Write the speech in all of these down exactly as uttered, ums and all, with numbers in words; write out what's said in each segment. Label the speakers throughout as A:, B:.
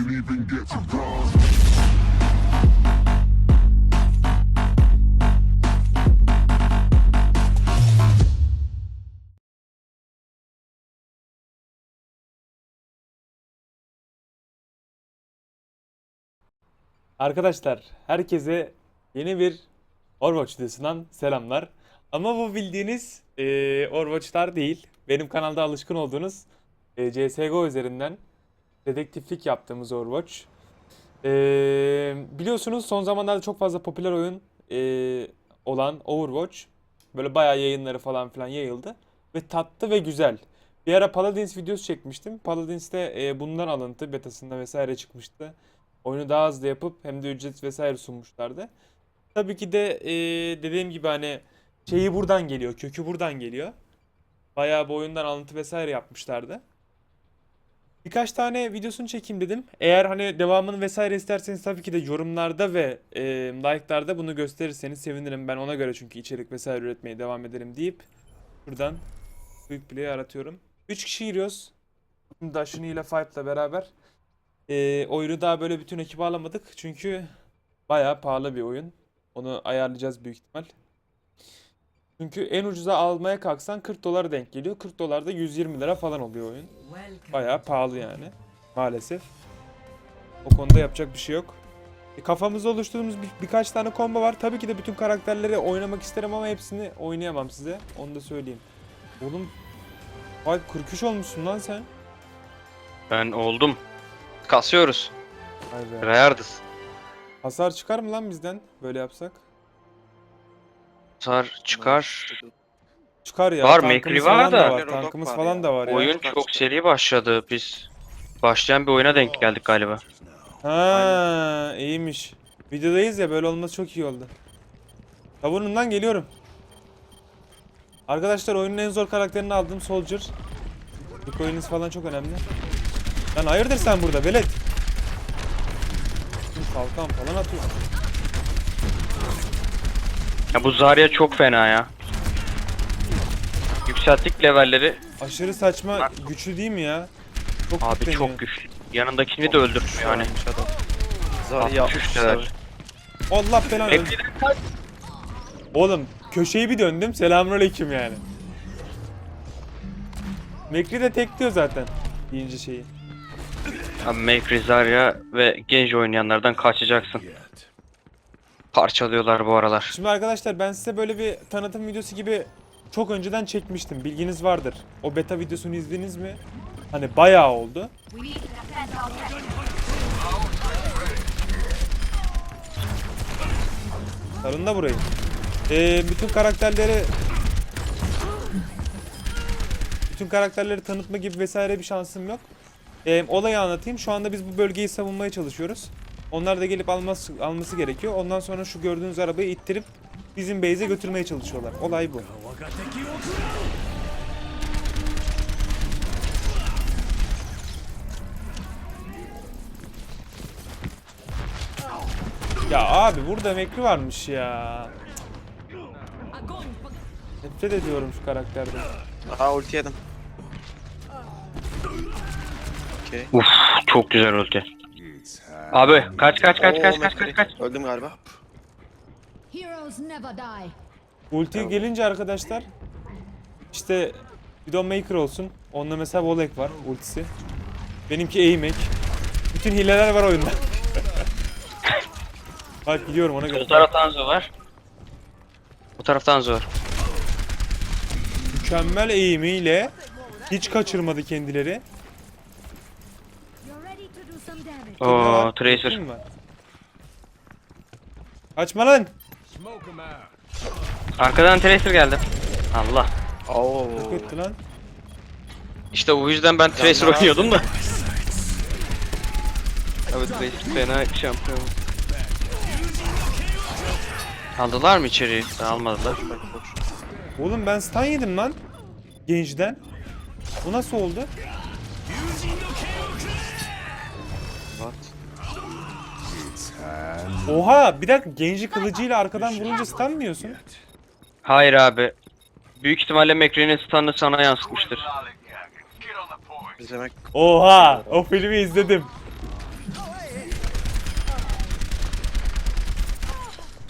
A: didn't even get to cross.
B: Arkadaşlar herkese yeni bir Overwatch videosundan selamlar. Ama bu bildiğiniz eee Overwatch'lar değil. Benim kanalda alışkın olduğunuz eee, C S G O üzerinden dedektiflik yaptığımız Overwatch. Eee, biliyorsunuz son zamanlarda çok fazla popüler oyun eee, olan Overwatch böyle bayağı yayınları falan filan yayıldı. Ve tatlı ve güzel. Bir ara Paladins videosu çekmiştim. Paladins'te eee, bundan alıntı betasında vesaire çıkmıştı. Oyunu daha hızlı yapıp hem de ücret vesaire sunmuşlardı. Tabii ki de eee, dediğim gibi hani şeyi buradan geliyor, kökü buradan geliyor. Bayağı bu oyundan alıntı vesaire yapmışlardı. Birkaç tane videosunu çekeyim dedim. Eğer hani devamını vesaire isterseniz tabii ki de yorumlarda ve eee like'larda bunu gösterirseniz sevinirim. Ben ona göre çünkü içerik vesaire üretmeye devam ederim deyip buradan Quick Play'i aratıyorum. üç kişi giriyoruz. Dashini ile Five'la beraber. Eee oyunu daha böyle bütün ekibi alamadık. Çünkü bayağı pahalı bir oyun. Onu ayarlayacağız büyük ihtimal. Çünkü en ucuza almaya kalksan kırk dolara denk geliyor. kırk dolar da yüz yirmi lira falan oluyor oyun. Bayağı pahalı yani. Maalesef. O konuda yapacak bir şey yok. E, kafamızda oluşturduğumuz bir, birkaç tane combo var. Tabii ki de bütün karakterleri oynamak isterim ama hepsini oynayamam size. Onu da söyleyeyim. Oğlum, vay kırk üç olmuşsun lan sen.
C: Ben oldum. Kasıyoruz.
B: Vay be.
C: Rayardız.
B: Hasar çıkar mı lan bizden böyle yapsak?
C: Sar çıkar.
B: Çıkar ya.
C: Var,
B: tankımız
C: Mekri
B: falan
C: var
B: da
C: da.
B: var. Tankımız falan da var ya.
C: Oyun çok seri başladı. Biz başlayan bir oyuna denk geldik galiba.
B: Ha, iyiymiş. Videodayız ya, böyle olması çok iyi oldu. Savunumdan geliyorum. Arkadaşlar oyunun en zor karakterini aldım, Soldier. Bu oyunuz falan çok önemli. Lan hayırdır sen burada velet? Kalkan falan atıyor.
C: Ya bu Zarya çok fena ya. Yükselttik levelleri.
B: Aşırı saçma güçlü değil mi ya? Çok
C: Abi
B: güçleniyor.
C: çok güçlü. Yanındakini de öldürtmüyor yani.
D: Zarya
C: altmış üç level.
B: Allah belanı.
C: Mekri'den kaç.
B: Oğlum köşeyi bir döndüm, selamünaleyküm yani. Mekri de tek diyor zaten deyince şeyi.
C: Abi Mekri, Zarya ve Genji oynayanlardan kaçacaksın. Parçalıyorlar bu aralar.
B: Şimdi arkadaşlar ben size böyle bir tanıtım videosu gibi çok önceden çekmiştim. Bilginiz vardır. O beta videosunu izlediniz mi? Hani bayağı oldu. Sarın da burayı. Ee, bütün karakterleri bütün karakterleri tanıtma gibi vesaire bir şansım yok. Ee, olayı anlatayım. Şu anda biz bu bölgeyi savunmaya çalışıyoruz. Onlar da gelip alması, alması gerekiyor. Ondan sonra şu gördüğünüz arabayı ittirip bizim base'e götürmeye çalışıyorlar. Olay bu. Ya abi burada Mekri varmış ya. Nefret ediyorum şu karakterden.
D: Aa ulti yedim. Okey.
C: Uf, çok güzel ulti. Abi kaç kaç kaç
D: Oo,
C: kaç kaç
D: Mekri.
C: kaç kaç.
D: Öldüm galiba.
E: Heroes never die.
B: Ulti gelince arkadaşlar işte Widowmaker olsun. Onda mesela Volek var ultisi. Benimki Aimek. Bütün hileler var oyunda. Bak gidiyorum ona göre.
C: Bu taraftan Zo var. Bu taraftan Zo var.
B: Mükemmel eğimiyle hiç kaçırmadı kendileri.
E: You're ready to do some damage.
B: Kimde
C: Oo,
B: var?
C: Tracer.
B: Kim var? Kaçma lan.
C: Arkadan Tracer geldi. Allah.
D: Oo.
B: Yok etti lan.
C: İşte o yüzden ben Tracer
D: Canlar
C: oynuyordum da. Evet, Tracer fena şampiyon. Aldılar mı içeriği? Daha almadılar.
B: Oğlum ben stun yedim lan. Gençten. Bu nasıl oldu?
D: What?
B: Oha bir dakika, genci kılıcıyla arkadan vurunca stun mı yiyorsun?
C: Hayır abi. Büyük ihtimalle Mekri'nin stun'ı sana yansıtmıştır.
D: İzlemek.
B: Oha o filmi izledim.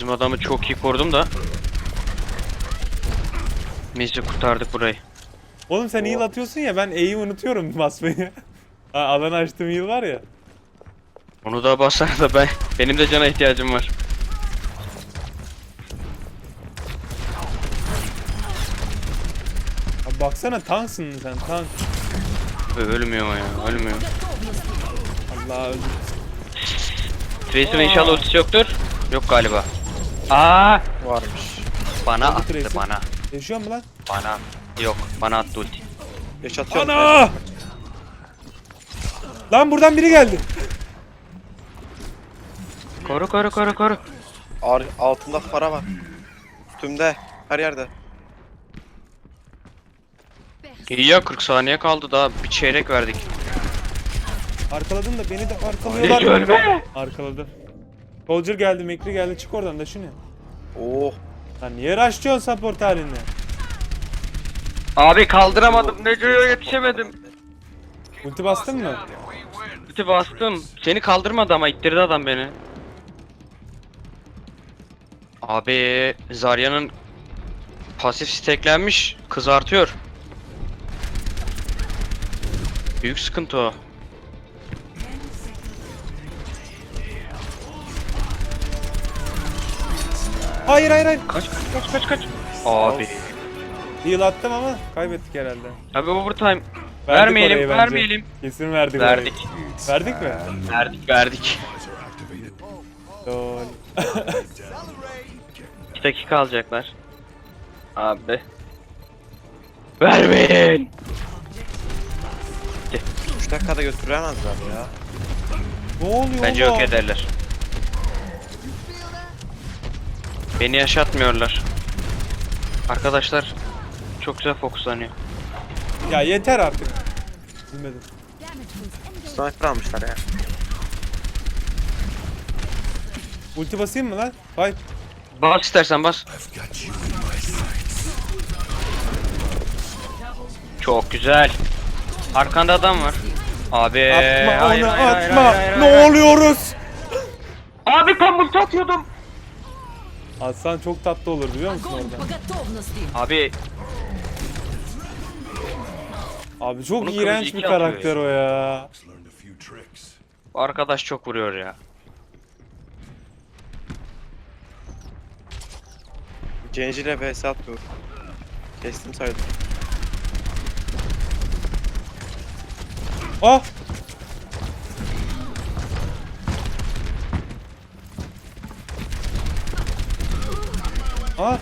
C: Bizim adamı çok iyi korudum da. Neyse kurtardık burayı.
B: Oğlum sen heal atıyorsun ya, ben E'yi unutuyorum basmayı. Ha, alanı açtığım heal var ya.
C: Onu da basar da ben benim de cana ihtiyacım var.
B: Abi baksana tanksın sen, tank.
C: Ölmüyor ya, ölmüyor.
B: Allah öldü.
C: Tracer'ın inşallah ultisi yoktur. Yok galiba. Aa,
D: Varmış.
C: bana
B: Oldu
C: attı
B: Tracer.
C: bana.
B: Yaşıyor mu lan?
C: Bana. Yok, bana attı ulti.
D: Yaşatıyorum.
B: Ana! Lan buradan biri geldi.
C: Koru koru koru koru.
D: Ar altında para var. Üstümde. Her yerde.
C: İyi ya, kırk saniye kaldı, daha bir çeyrek verdik.
B: Arkaladım da beni de
C: Hiç
B: arkalıyorlar.
C: ölme.
B: Arkaladım. Soldier geldi, Mekri geldi. Çık oradan da şunu.
D: Oh.
B: Lan niye rushlıyorsun support halinde?
C: Abi kaldıramadım, Neco'ya yetişemedim.
B: Ulti bastın mı?
C: Ulti bastım. Seni kaldırmadı ama ittirdi adam beni. Abi Zarya'nın pasif steklenmiş, kızartıyor. Büyük sıkıntı o.
B: Hayır hayır hayır.
C: Kaç kaç kaç kaç. Abi.
B: Heal attım ama kaybettik herhalde.
C: Abi overtime.
B: Verdik
C: Vermeyelim,
B: orayı bence.
C: vermeyelim.
B: Kesin verdik
C: Verdik.
B: orayı. Verdik mi?
C: Verdik, verdik.
B: Lol.
C: iki dakika alacaklar. Abi. Vermeyin.
D: üç dakikada götüremezler ya.
B: Ne oluyor
C: Bence
B: oğlum?
C: yok ederler. Beni yaşatmıyorlar. Arkadaşlar çok güzel fokuslanıyor.
B: Ya yeter artık. Bilmedim.
E: Damage was ended.
D: Sniper almışlar ya.
B: Ulti basayım mı lan? Fight.
C: Bas istersen bas. Çok güzel. Arkanda adam var. Abi.
B: Atma
C: hayır,
B: onu
C: hayır, hayır,
B: atma.
C: hayır, hayır,
B: Ne
C: hayır.
B: oluyoruz?
C: Abi tam ulti atıyordum.
B: Atsan çok tatlı olur biliyor musun
E: Огонь
B: orada?
E: по готовности.
C: Abi
B: Abi çok
C: Bunu
B: iğrenç
C: kılıcı
B: bir
C: iki atıyor
B: karakter o ya.
C: bu arkadaş çok vuruyor ya.
D: Genji ile vs atıyor. Kestim saydım.
B: Ah! Ah!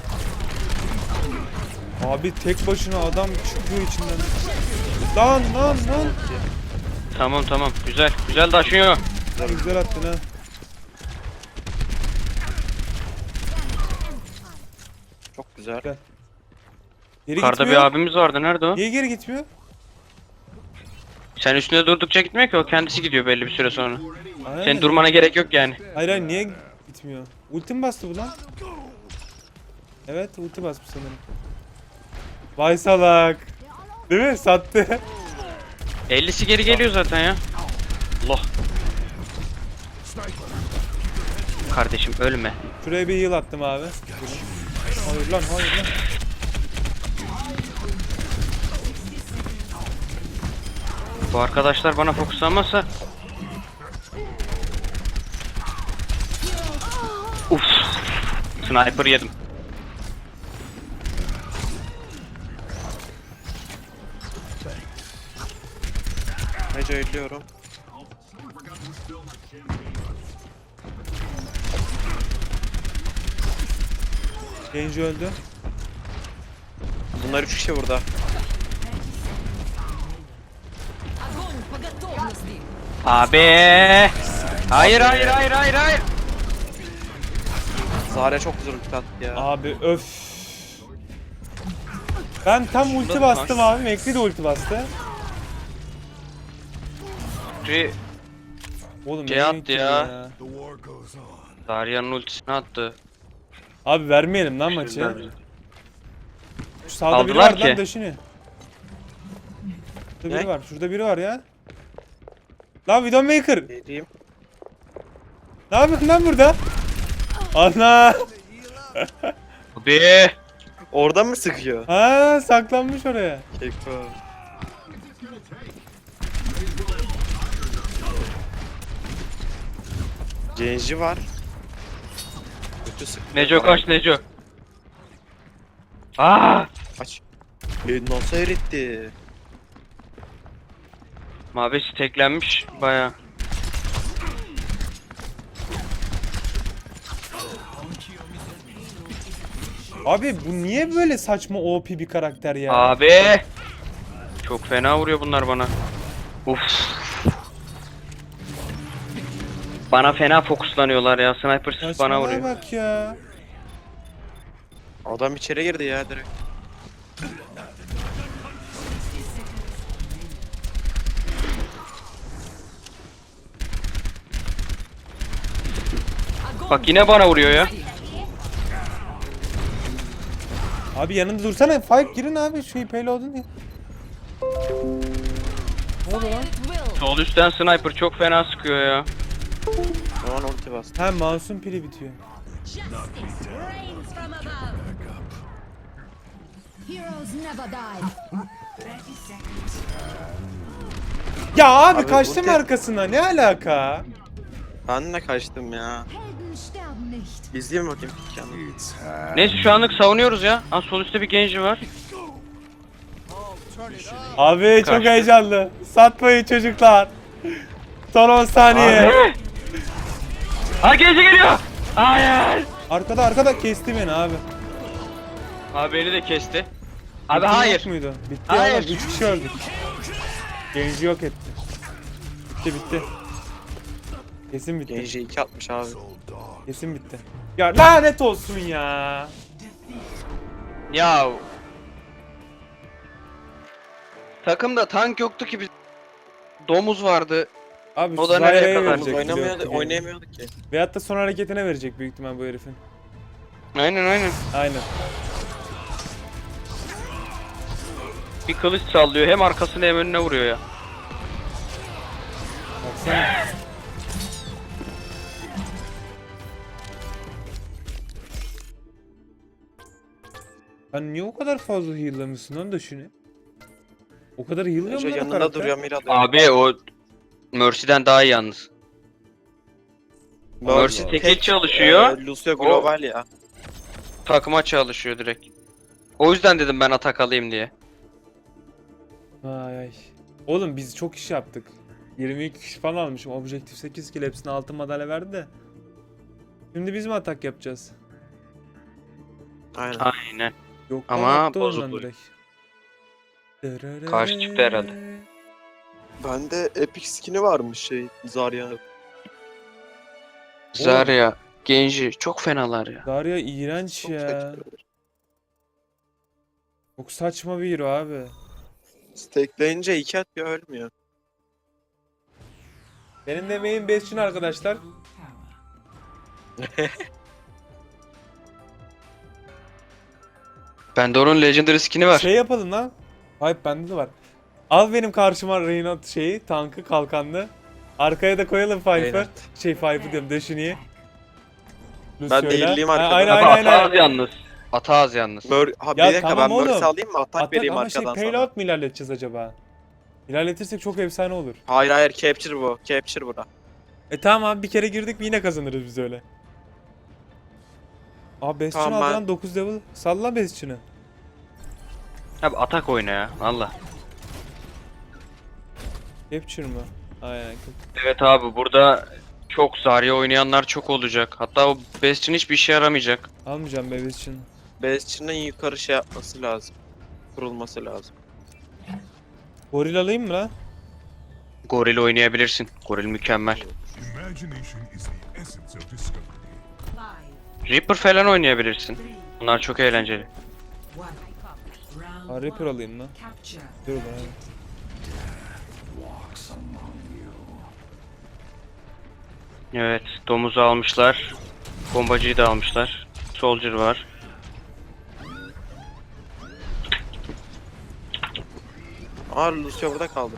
B: Abi tek başına adam çıkıyor içinden. Lan lan lan.
C: Tamam tamam güzel güzel taşıyor.
B: Güzel attın ha.
D: Çok güzel.
B: Geri
C: Yukarıda bir
B: gitmiyor.
C: abimiz vardı, nerede o?
B: Niye geri gitmiyor?
C: Sen üstünde durdukça gitmiyor ki, o kendisi gidiyor belli bir süre sonra.
B: Aynen.
C: Senin durmana gerek yok yani.
B: Hayır hayır niye gitmiyor? Ulti mi bastı bu lan? Evet ulti basmış sanırım. Vay salak. Değil mi? Sattı.
C: ellisi geri geliyor zaten ya. Allah. Kardeşim ölme.
B: Şuraya bir heal attım abi. Hayır lan hayır lan.
C: Bu arkadaşlar bana fokuslanmazsa. Uf. Sniper yedim.
D: Neco ölüyorum.
B: Genji öldü.
D: Bunlar üç kişi burada.
E: Огонь по готовности.
C: Abi. Hayır hayır hayır hayır hayır.
D: Zarya çok güzel ulti attı ya.
B: Abi öf. Ben tam ulti
C: Şurada
B: bastım
C: var.
B: abi. Mekri de ulti bastı.
C: Şey,
B: Oğlum
C: Şey
B: niye
C: attı
B: gittin
C: ya. Darya'nın ultisini attı.
B: Abi vermeyelim lan maçı.
C: Güzel.
B: Şu sağda biri
C: Aldılar
B: var lan
C: ki.
B: döşünü. Şurada biri
D: Ne?
B: var. Şurada biri var ya. Lan Widowmaker.
D: Vereyim.
B: Ne yapıyorsun lan burada? Ana!
C: Abi.
D: Orada mı sıkıyor?
B: Ha, saklanmış oraya.
D: Keko. Genji var. Kötü sık.
C: Neco kaç Neco. Aa!
D: Kaç. E, nasıl eritti?
C: Mavi steklenmiş baya.
B: Abi bu niye böyle saçma O P bir karakter ya?
C: Abi. Çok fena vuruyor bunlar bana. Uf. Bana fena fokuslanıyorlar ya. Sniper bana
B: Saçmalığa
C: vuruyor.
B: bak ya.
D: Adam içeri girdi ya direkt.
C: Bak yine bana vuruyor ya.
B: Abi yanında dursana. Five girin abi şu payload'un ya. Ne oldu lan?
E: It will.
C: Sol üstten sniper çok fena sıkıyor ya.
D: Şu an ulti bastı.
B: Ha, mouse'un pili bitiyor.
E: Justice reigns from above. Heroes never die.
B: Ya abi,
D: Abi,
B: kaçtım
D: ulti-
B: arkasına. Ne alaka?
D: Ben de kaçtım ya.
E: Helden sterben nicht.
D: İzleyeyim bakayım kendimi.
C: Neyse şu anlık savunuyoruz ya. Ha, sol üstte bir genci var.
B: Abi çok
C: Kaçtı.
B: heyecanlı. Satmayın çocuklar. Son on saniye.
C: Abi. Ha genci geliyor. Hayır.
B: Arkada arkada kesti beni abi.
C: Abi beni de kesti. Abi
B: Bitti
C: hayır.
B: yok muydu? Bitti
C: Hayır.
B: oğlum. üç kişi öldük. Genci yok etti. Bitti bitti. Kesin bitti.
D: Genji iki atmış abi.
B: Kesin bitti. Ya lanet olsun ya.
C: Ya. Takımda tank yoktu ki biz. Domuz vardı.
B: Abi
C: O da nereye
B: Zyra'ya
C: kadar?
B: verecek.
D: Oynamıyordu,
B: biliyorum ki.
D: oynayamıyorduk ki.
B: Veyahut da son hareketine verecek büyük ihtimal bu herifin.
C: Aynen aynen.
B: Aynen.
C: Bir kılıç sallıyor. Hem arkasına hem önüne vuruyor ya.
B: Baksana. Sen niye o kadar fazla heal'lamışsın lan da şunu? O kadar heal'lıyor
D: Neco
B: mu lan o
D: yanında
B: karakter?
D: duruyor Mira.
C: Abi o Mercy'den daha iyi yalnız. Mercy
D: Tek-
C: tekil çalışıyor.
D: e, Lucio Global ya.
C: Takıma çalışıyor direkt. O yüzden dedim ben atak alayım diye.
B: Vay ay. Oğlum biz çok iş yaptık. yirmi iki kişi falan almışım. Objektif sekiz kill, hepsine altın madalya verdi de. Şimdi biz mi atak yapacağız?
D: Aynen.
C: Aynen.
B: Yok
C: Ama
B: lan, attı
C: bozuldu.
B: ondan direkt.
C: Karşı çıktı herhalde.
D: Bende epic skin'i varmış şey Zarya'nın.
C: Zarya, Genji çok fenalar ya.
B: Zarya iğrenç
D: Çok
B: ya.
D: saçma.
B: Çok saçma bir hero abi.
D: Stackleyince iki atıyor ölmüyor.
B: Benim de main bestçin arkadaşlar.
C: Bende onun Legendary skin'i var.
B: Şey yapalım lan. Hayır, bende de var. Al benim karşıma Reinhardt şeyi, tankı, kalkanlı. Arkaya da koyalım Piper.
D: Reinhardt.
B: Şey Piper diyorum, Dashini'yi.
D: Ben de iyiliğim
B: Ha,
D: arkada.
B: aynen
C: Abi
B: aynen
C: ata az
B: aynen.
C: yalnız. Ata az yalnız.
D: Mör ha bir
B: Ya
D: dakika
B: tamam
D: ben Mercy
B: oğlum.
D: alayım mı? Atak,
B: Atak
D: vereyim
B: ama şey
D: arkadan sana.
B: payload mu ilerleteceğiz acaba? İlerletirsek çok efsane olur.
D: Hayır hayır capture bu. Capture bura.
B: E tamam abi, bir kere girdik mi yine kazanırız biz öyle. Abi Bastion
D: Tamam,
B: aldı
D: ben-
B: lan dokuz level. Salla Bastion'ı.
C: Abi atak oyna ya. Valla.
B: Capture mı? Aynen.
C: Evet abi burada çok Zarya oynayanlar çok olacak. Hatta o Bastion hiçbir işe yaramayacak.
B: Almayacağım be Bastion'ı.
D: Bastion'ın yukarı şey yapması lazım. Kurulması lazım.
B: Goril alayım mı lan?
C: Goril oynayabilirsin. Goril mükemmel.
A: Imagination is the essence of discovery.
C: Reaper falan oynayabilirsin. Bunlar çok eğlenceli.
B: Ha, Reaper alayım lan. Dur lan.
C: Evet, domuzu almışlar. Bombacıyı da almışlar. Soldier var.
D: Aa Lucio burada kaldı.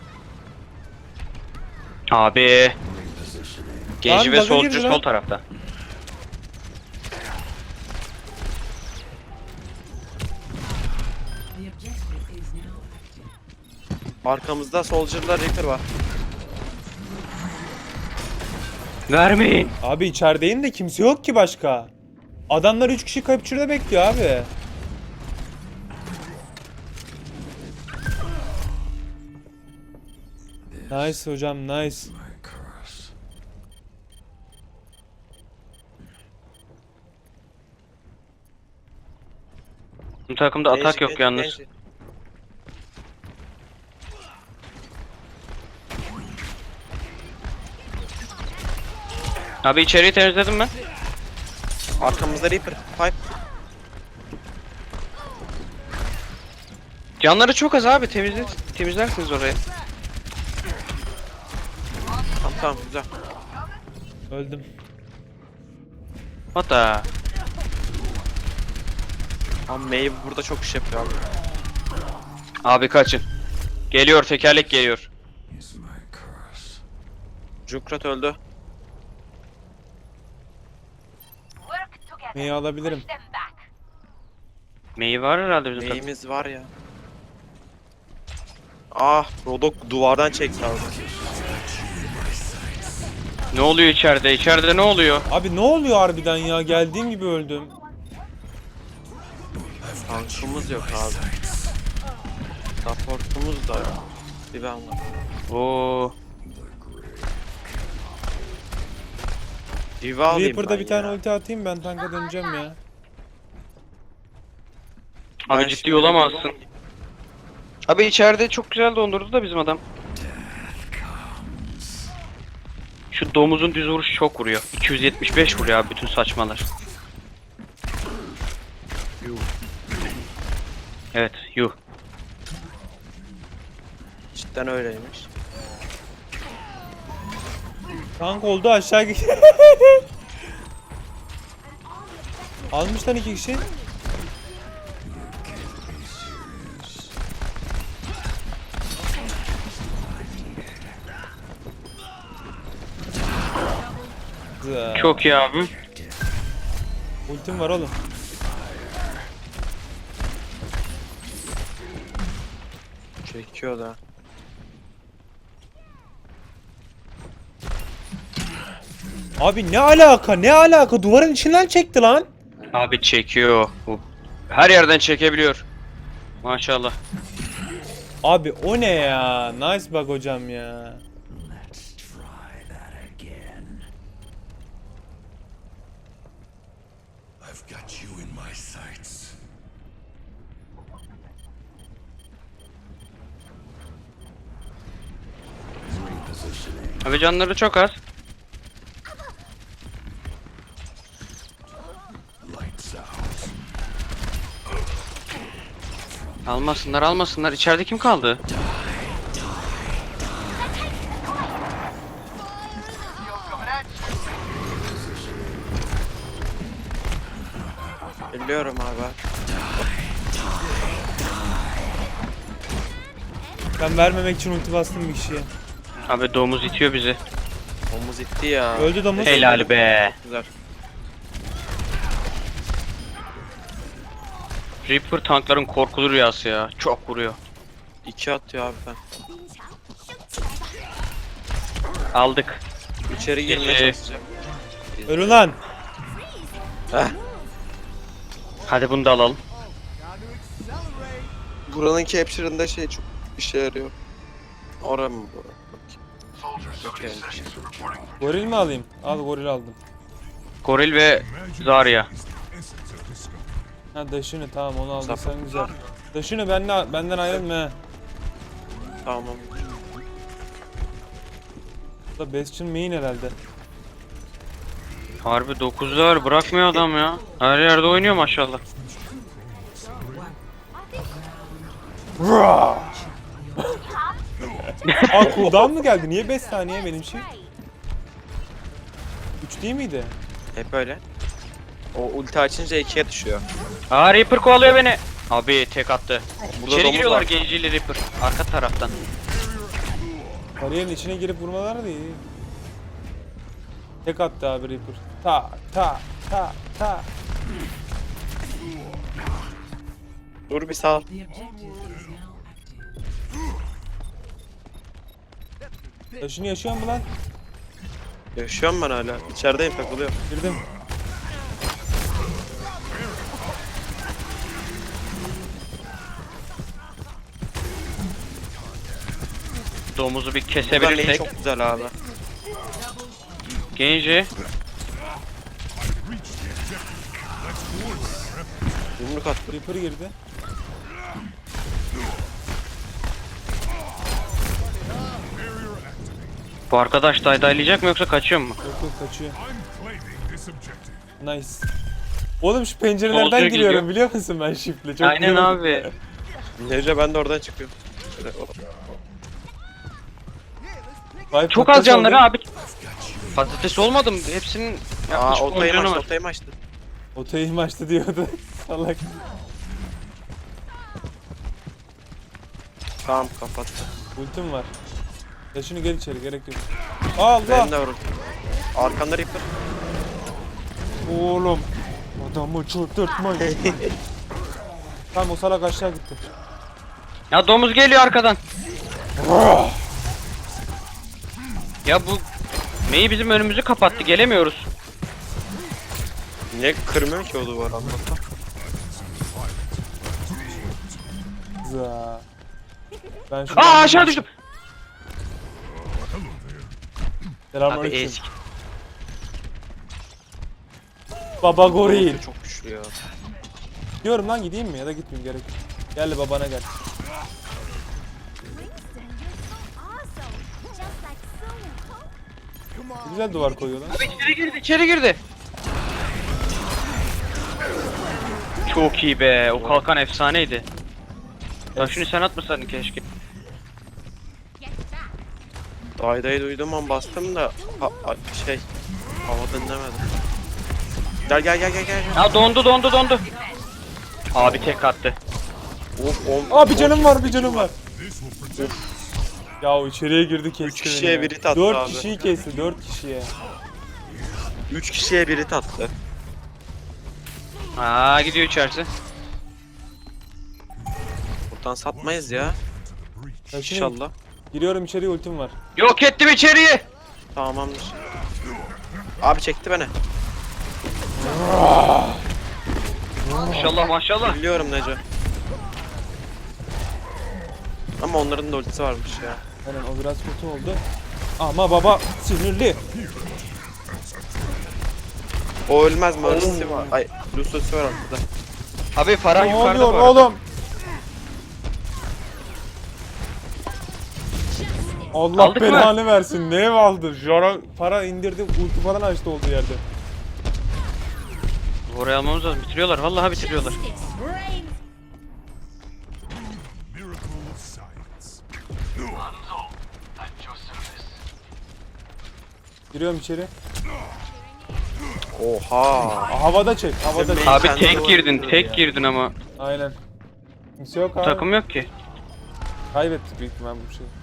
C: Abi. Genji
B: Lan
C: ve
B: bug'a
C: Soldier
B: girdi lan.
C: sol tarafta.
D: Arkamızda Soldier'la Reaper var.
C: Vermeyin.
B: Abi içerideyim de kimse yok ki başka. Adamlar üç kişi capture'da bekliyor abi. Nice hocam, nice.
C: Bu takımda atak
D: Genji,
C: yok
D: genji,
C: yalnız.
D: genji.
C: Abi içeriği temizledim ben.
D: Arkamızda Reaper. Pipe.
C: Canları çok az abi, temizle temizlersiniz orayı.
D: Tamam tamam güzel.
B: Öldüm.
C: Hatta
D: Ama Mei burada çok iş yapıyor abi.
C: abi kaçın. Geliyor, tekerlek geliyor.
D: Junkrat öldü.
B: Neyi alabilirim?
C: Mei var herhalde bizim takım.
D: Mei'miz var ya. Ah, Rodok duvardan çekti abi.
C: Ne oluyor içeride? İçeride ne oluyor?
B: Abi ne oluyor harbiden ya? Geldiğim gibi öldüm.
D: Tankımız yok abi. Supportumuz da yok. Bir ben var.
C: Oo.
D: Diva alayım
B: Reaper'da
D: ben
B: bir tane
D: ya.
B: ulti atayım, ben tanka döneceğim ya.
C: Abi
D: Ben
C: ciddi
D: şimdi-
C: olamazsın. Abi içeride çok güzel dondurdu da bizim adam. Şu domuzun düz vuruşu çok vuruyor. iki yüz yetmiş beş vuruyor abi bütün saçmalar. Evet, yuh.
D: Cidden öyleymiş.
B: Tank oldu, aşağı git. Almış lan iki kişi. Güzel.
C: Çok iyi abi.
B: Ultim var oğlum.
D: Çekiyor da.
B: Abi ne alaka, ne alaka? Duvarın içinden çekti lan.
C: Abi çekiyor. Bu her yerden çekebiliyor. Maşallah.
B: Abi o ne ya? Nice bak hocam ya.
A: I've got you in my sights.
C: Abi canları çok az.
A: Lights out.
C: Almasınlar, almasınlar. İçeride kim kaldı?
D: Biliyorum abi.
B: Ben vermemek için ulti bastım bir kişiye.
C: Abi domuz itiyor bizi.
D: Omuz itti ya.
B: Öldü domuz.
C: Helal be.
D: Güzel.
C: Reaper tankların korkulu rüyası ya. Çok vuruyor.
D: İki atıyor abi ben.
C: Aldık.
D: İçeri girmeye
C: Ee,
D: çalışacağım.
B: Ölü lan.
D: Heh.
C: Hadi bunu da alalım.
D: Buranın capture'ında şey çok işe yarıyor. Ora mı bu? Okey.
B: Goril mi alayım? Al, goril aldım.
C: Goril ve Zarya.
A: Is the essence of discovery.
B: Ha daşını, tamam onu aldıysan
D: Sapık.
B: güzel. Daşını benden, benden ayrılma he.
D: Tamam.
B: Bu da Bastion main herhalde.
C: Harbi dokuzlar bırakmıyor adam ya. Her yerde oynuyor maşallah.
B: Aa cooldown mı geldi? Niye beş saniye benim şey? üç değil miydi?
D: Hep öyle. O ulti açınca ikiye düşüyor.
C: Aa Reaper kovalıyor beni. Abi tek attı.
D: Burada
C: İçeri
D: domuz
C: giriyorlar
D: var.
C: genciyle Reaper. Arka taraftan.
B: Kariyerin içine girip vurmalar da iyi. Tek attı abi Reaper. Ta ta ta ta.
D: Dur bir sağ.
B: Taşını yaşıyor mu lan?
D: Yaşıyorum ben hala. İçerideyim, takılıyorum.
B: Girdim.
C: Domuzu bir
D: Buradan
C: kesebilirsek.
D: neyi çok güzel abi.
C: Genji.
D: Yumruk attı.
B: Reaper girdi.
C: Bu arkadaş daydaylayacak mı yoksa kaçıyor mu?
B: Yok yok kaçıyor.
A: I'm claiming this objective.
B: Nice. Oğlum şu pencerelerden
C: Soldier
B: giriyorum
C: gidiyor.
B: biliyor musun ben shift'le? Çok
C: Aynen
B: iyi oldu.
C: abi.
D: Nece ben de oradan çıkıyorum. Şöyle, o-
B: Vay,
C: Çok
B: patates
C: az canları
B: oldu.
C: abi. Patates olmadım. Hepsinin
D: Aa
C: yaklaşık on
D: otayım
C: canı
D: açtı,
C: var.
D: otayım açtı.
B: Otayım açtı diyordu. Salak.
D: Tamam kapattı.
B: Ultim var. Taşını gel içeri gerek yok. Allah.
D: Benim de var ultim. Arkanda Reaper.
B: Oğlum. Adamı çıldırtmayın. Tamam o salak aşağı gitti.
C: Ya domuz geliyor arkadan. Ya bu Mei bizim önümüzü kapattı. Gelemiyoruz.
D: Niye kırmıyor ki o duvar anlatsam.
B: Za. Ben şuradan
C: Aa aşağı düştüm. Abi
B: Selamünaleyküm.
C: ezik.
B: Baba goril.
D: Çok güçlü ya.
B: Diyorum lan gideyim mi ya da gitmeyeyim gerek yok. Gel babana gel. Ne güzel duvar koyuyor lan.
C: Abi içeri girdi, içeri girdi. Çok iyi be. O kalkan efsaneydi. Ya şunu sen atmasaydın keşke.
D: Daydayı duydum an bastım da ha, ha- şey hava dinlemedim. Gel gel gel gel gel.
C: Ya dondu dondu dondu. Abi tek attı.
D: Of on.
B: Aa bir canım var bir canım var. Ya o içeriye girdi kesti
D: Üç kişiye
B: beni ya.
D: biri tattı
B: Dört
D: abi.
B: kişiyi kesti dört kişiye.
D: Üç kişiye biri tattı.
C: Aa gidiyor içerisi.
D: Buradan satmayız ya.
B: Taşını
D: İnşallah.
B: giriyorum içeriye ultim var.
C: Yok ettim içeriği.
D: Tamamdır. Abi çekti beni.
C: Maşallah maşallah.
D: Biliyorum Neco. Ama onların da ultisi varmış ya.
B: Aynen o biraz kötü oldu. Ama baba sinirli.
D: O ölmez mi? Ultisi var. Ay, Lucius'u var ortada.
C: Abi Farah
B: Ne
C: yukarıda
B: oluyor
C: bu arada.
B: oğlum? Allah
C: Aldık mı?
B: belanı versin. Ne ev aldı? Jara para indirdi, ulti falan açtı olduğu yerde.
C: Oraya almamız lazım. Bitiriyorlar. Vallahi bitiriyorlar.
E: Reigns.
A: Miracle of science.
B: Giriyorum içeri.
D: Oha.
B: Aa, havada çek, havada çek.
C: Abi
D: Kendi
C: tek
D: duvarı
C: girdin,
D: kırıyor
C: tek
D: ya.
C: girdin ama
B: Aynen. Kimse yok abi.
C: takım yok ki.
B: Kaybettik büyük ihtimal bu şeyi.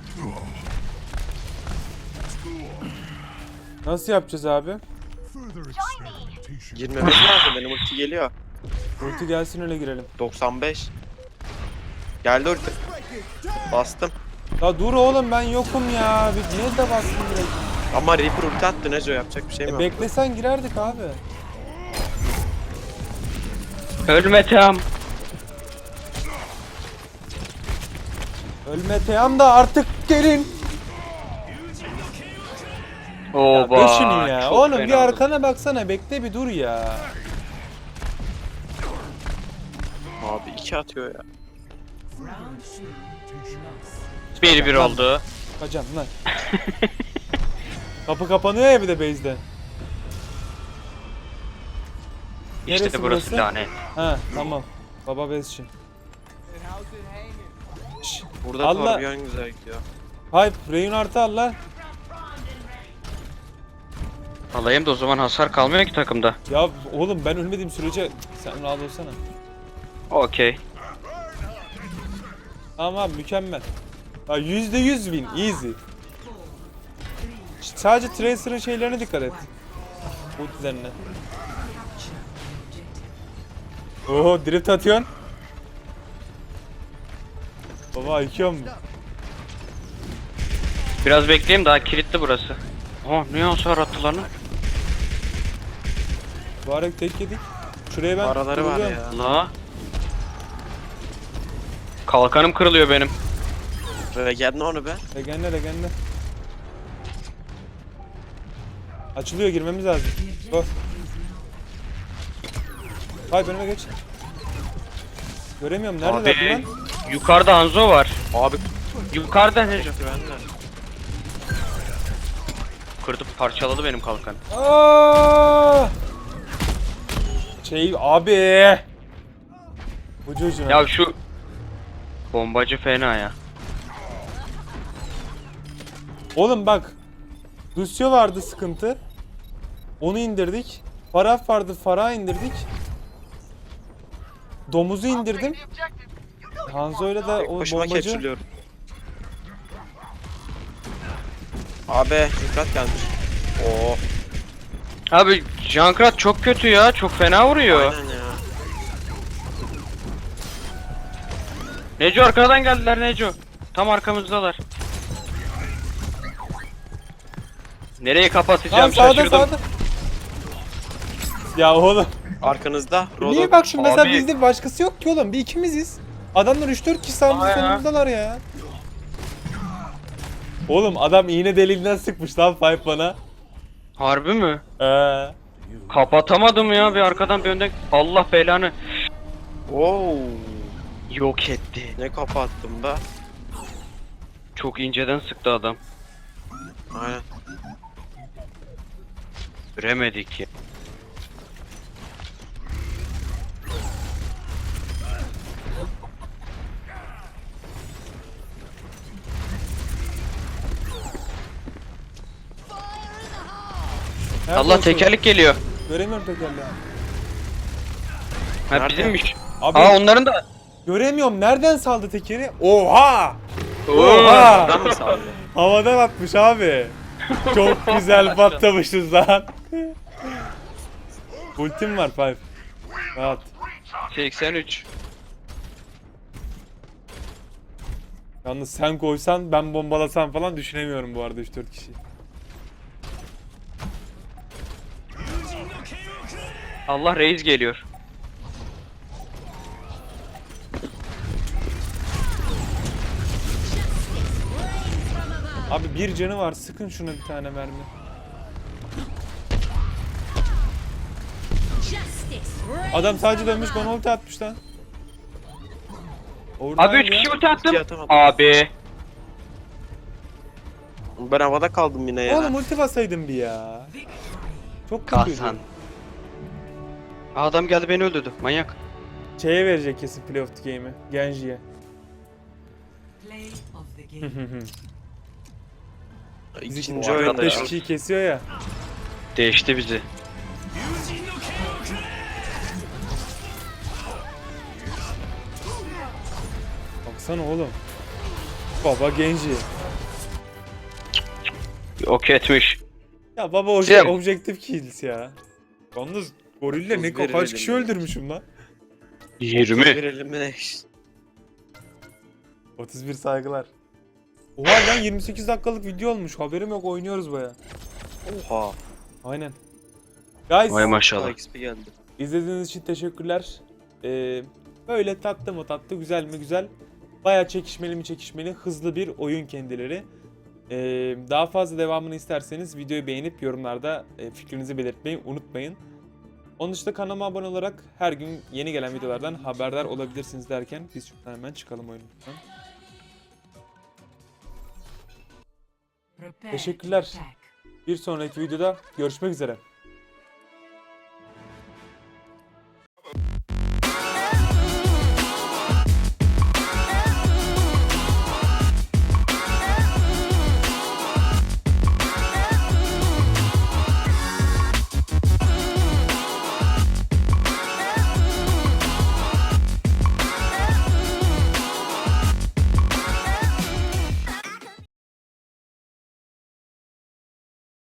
B: Nasıl yapacağız abi?
A: Further experimentation.
D: Girmemiz lazım. Benim ulti geliyor.
B: Ulti gelsin öyle girelim.
D: doksan beş. Geldi ulti. Bastım.
B: Ya dur oğlum ben yokum ya. Bir niye de bastın direkt?
D: Ama Reaper ulti attı Neco, yapacak bir şey mi
B: E
D: yok?
B: beklesen girerdik abi.
C: Ölme Tam.
B: Ölme Teyam da artık gelin.
C: Oba.
B: Dur şunu ya.
C: çok
B: Oğlum
C: fena
B: bir
C: oldu.
B: arkana baksana bekle bir dur ya.
D: Abi iki atıyor ya.
C: bir bir oldu.
B: Kaçam lan. Kapı kapanıyor ya bir de base'de.
C: İşte
B: Neresi
C: burası
B: burası?
C: lanet.
B: Ha tamam. Baba base için. Şşş.
D: Burada
B: Allah-
D: Torbjörn güzel gidiyor.
B: Hype, Reinhardt'ı al lan.
C: Alayım da o zaman hasar kalmıyor ki takımda.
B: Ya oğlum ben ölmediğim sürece sen rahat olsana.
C: Okey.
B: Tamam abi mükemmel. Ya yüzde yüz win easy. Ş- Sadece Tracer'ın şeylerine dikkat et. Ultilerine. Oho drift atıyorsun. Baba yıkıyor mu?
C: Biraz bekleyeyim, daha kilitli burası. Oh, niye hasar attılar lan?
B: Barek tek yedik. Şuraya ben
D: Araları var
B: tutturacağım.
D: ya.
C: La. Kalkanım kırılıyor benim.
D: Regen onu be.
B: Regenle regenle. Açılıyor, girmemiz lazım. Go. Hayır önüme geç. Göremiyorum, nerede
C: Abi
B: lan?
C: yukarıda Hanzo var.
D: Abi
C: Yukarıda Neco.
D: güvenle.
C: Kırdı, parçaladı benim kalkan.
B: Aa! Şey abi. Ucu ucuna.
C: Ya şu bombacı fena ya.
B: Oğlum bak. Lucio vardı sıkıntı. Onu indirdik. Farah vardı, Farah indirdik. Domuzu indirdim. Hanzo'yla da o
D: Başıma
B: bombacı.
D: capsule'liyorum. Abi dikkat gelmiş. Oo.
C: Abi Junkrat çok kötü ya, çok fena vuruyor.
D: Aynen ya.
C: Neco arkadan geldiler Neco. Tam arkamızdalar. Nereye
B: Tamam
C: kapatacağım
B: sağda
C: şaşırdım.
B: sağda. Ya oğlum.
D: Arkanızda.
B: Niye bak şimdi mesela
C: Abi-
B: bizde başkası yok ki oğlum. Bir ikimiziz. Adamlar üç dört kişi sağımızda
C: Aa ya.
B: solumuzdalar ya. Oğlum adam iğne deliğinden sıkmış lan Five bana.
C: Harbi mi?
B: Ee,
C: Kapatamadım ya, bir arkadan bir önden. Allah belanı.
D: Oo.
C: Yok etti.
D: Ne kapattım be.
C: Çok inceden sıktı adam.
D: Aynen.
C: Göremedik ya.
B: nerede
C: Allah
B: o
C: tekerlek geliyor.
B: şey? Göremiyorum tekerleği.
C: Ha
D: Nerede?
C: bizimmiş.
B: Abi
C: Aa onların da.
B: göremiyorum. Nereden saldı tekeri? Oha!
C: Oo.
B: Oha!
D: Adam mı sağlıyor?
B: Havadan atmış abi. Çok güzel patlamışız lan. Ultim var Five. Rahat.
C: seksen üç.
B: Yalnız sen koysan ben bombalasam falan düşünemiyorum bu arada üç dört kişi.
C: Allah reis geliyor.
B: Abi bir canı var, sıkın şuna bir tane mermi.
E: Justice reigns
B: Adam sadece
E: from
B: dönmüş
E: above.
B: bana ulti atmış lan. Oradan
C: Abi üç
B: ya.
C: kişi ulti attım.
D: Ulti atamadım.
C: Abi.
D: Ben havada kaldım yine ya.
B: Oğlum ulti basaydım bir ya. Çok kötüydü.
C: Kasan. Adam geldi beni öldürdü. Manyak.
B: Şeye verecek kesin Play of the Game'i. Genji'ye.
F: Play of the game.
D: İkinci
B: dört
D: oyunda
B: beş
D: ya.
B: kişiyi kesiyor ya.
C: Değişti bizi.
B: Baksana oğlum. Baba Genji.
C: Ok etmiş.
B: Ya baba obje-
C: Şey-
B: objektif kills ya. Yalnız gorille ne
D: otuz bir
B: kaç kişi
D: elimle.
B: öldürmüşüm lan.
C: yirmi.
D: Bir elimle.
B: otuz bir saygılar. Oha lan yirmi sekiz dakikalık video olmuş. Haberim yok, oynuyoruz baya.
D: Oha.
B: Aynen. Guys,
C: Vay maşallah.
D: X P geldi.
B: izlediğiniz için teşekkürler. Ee, böyle tatlı mı tatlı, güzel mi güzel. Baya çekişmeli mi çekişmeli, hızlı bir oyun kendileri. Ee, daha fazla devamını isterseniz videoyu beğenip yorumlarda e, fikrinizi belirtmeyi unutmayın. Onun dışında kanalıma abone olarak her gün yeni gelen videolardan haberdar olabilirsiniz derken biz şuradan hemen çıkalım oyundan.
F: Prepare
B: Teşekkürler.
F: to attack.
B: Bir sonraki videoda görüşmek üzere.